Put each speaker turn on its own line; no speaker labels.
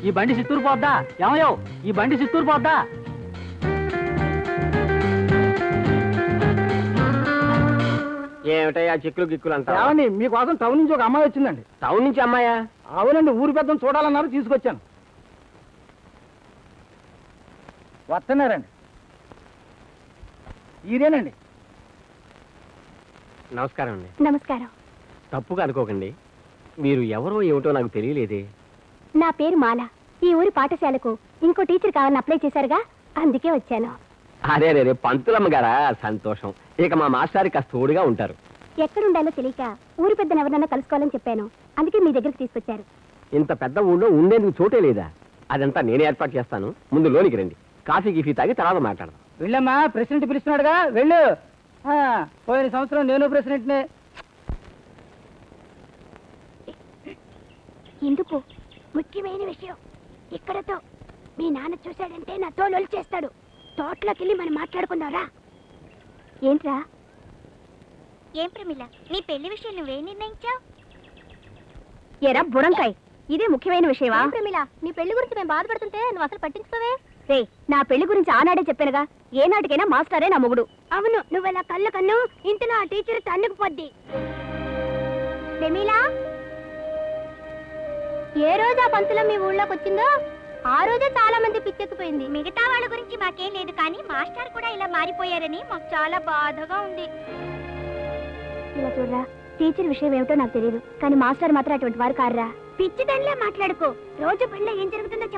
ఈ బండి చిత్తూరు పోద్దా? ఏమయ్యో, ఈ బండి చిత్తూరు పోద్దా?
ఏమిటయ్యా చిక్కులు గిక్కులు అంతా?
ఏమండి, మీకోసం టౌన్ నుంచి ఒక అమ్మాయి వచ్చిందండి.
టౌన్ నుంచి అమ్మాయా?
అవునండి, ఊరి పెద్దను చూడాలన్నారు, తీసుకొచ్చాను. వస్తున్నారండి. ఇదేనండి.
నమస్కారం అండి.
నమస్కారం.
తప్పుగా అనుకోకండి, మీరు ఎవరో ఏమిటో నాకు తెలియలేదే.
నా పేరు మాల. ఈ ఊరి పాఠశాలకు ఇంకో టీచర్ కావాలని అప్లై చేశారుగా, అందుకే వచ్చాను.
అరే రే పంతులమ్మ గారా, సంతోషం. ఇక మా మాస్టారి కాస్త తోడుగా ఉంటారు.
ఎక్కడుండాలో తెలియక ఊరి పెద్దను ఎవరన్నా కలుసుకోవాలని చెప్పాను, అందుకే మీ దగ్గరికి తీసుకొచ్చారు.
ఇంత పెద్ద ఊళ్ళో ఉండేందుకు చోటే లేదా? అదంతా నేనే ఏర్పాటు చేస్తాను. ముందు లోనికి రండి, కాఫీ గిఫీ తాగి తర్వాత మాట్లాడదాం.
వెళ్ళమ్మా, ప్రెసిడెంట్ పిలుస్తున్నాడుగా, వెళ్ళు. పోయిన సంవత్సరం నేను ప్రెసిడెంట్నే.
ఎందుకు? ముఖ్యమైన విషయం. ఇక్కడతో మీ నాన్న చూశాడంటే నా తోలు చేస్తాడు. తోటలోకి వెళ్ళి మనం మాట్లాడుకుందాంరా. ఏంట్రా?
ఏం ప్రమిళ, నీ పెళ్లి విషయం నువ్వే నిర్ణయించావు?
ఎరా బుడంకాయ్, ఇదే ముఖ్యమైన విషయమా? ప్రమిళ, నీ పెళ్లి గురించి మేము బాధపడుతుంటే నువ్వు అసలు పట్టించుకోవే. రే, నా పెళ్లి గురించి ఆనాడే చెప్పానుగా, ఏ నాటికైనా మాస్టరే నా మొగుడు. అవును, నువ్వెలా కళ్ళ కన్ను ఇంతలో ఆ టీచర్ తన్నుకు పొద్ది. ప్రమిళ, ఏ రోజు ఆ పంతులం మీ ఊళ్ళోకి వచ్చిందో ఆ రోజే చాలా మంది పిచ్చెక్కిపోయింది.
మిగతా వాళ్ళ గురించి మాకేం లేదు, కానీ మాస్టర్ కూడా ఇలా మారిపోయారని మాకు చాలా బాధగా ఉంది.
ఇలా చూడరా, టీచర్ విషయం ఏమిటో నాకు తెలియదు, కానీ మాస్టర్ మాత్రం అటువంటి వారు కారురా. పిచ్చిదానిలా మాట్లాడుకో. రోజు పనిలో ఏం జరుగుతుందో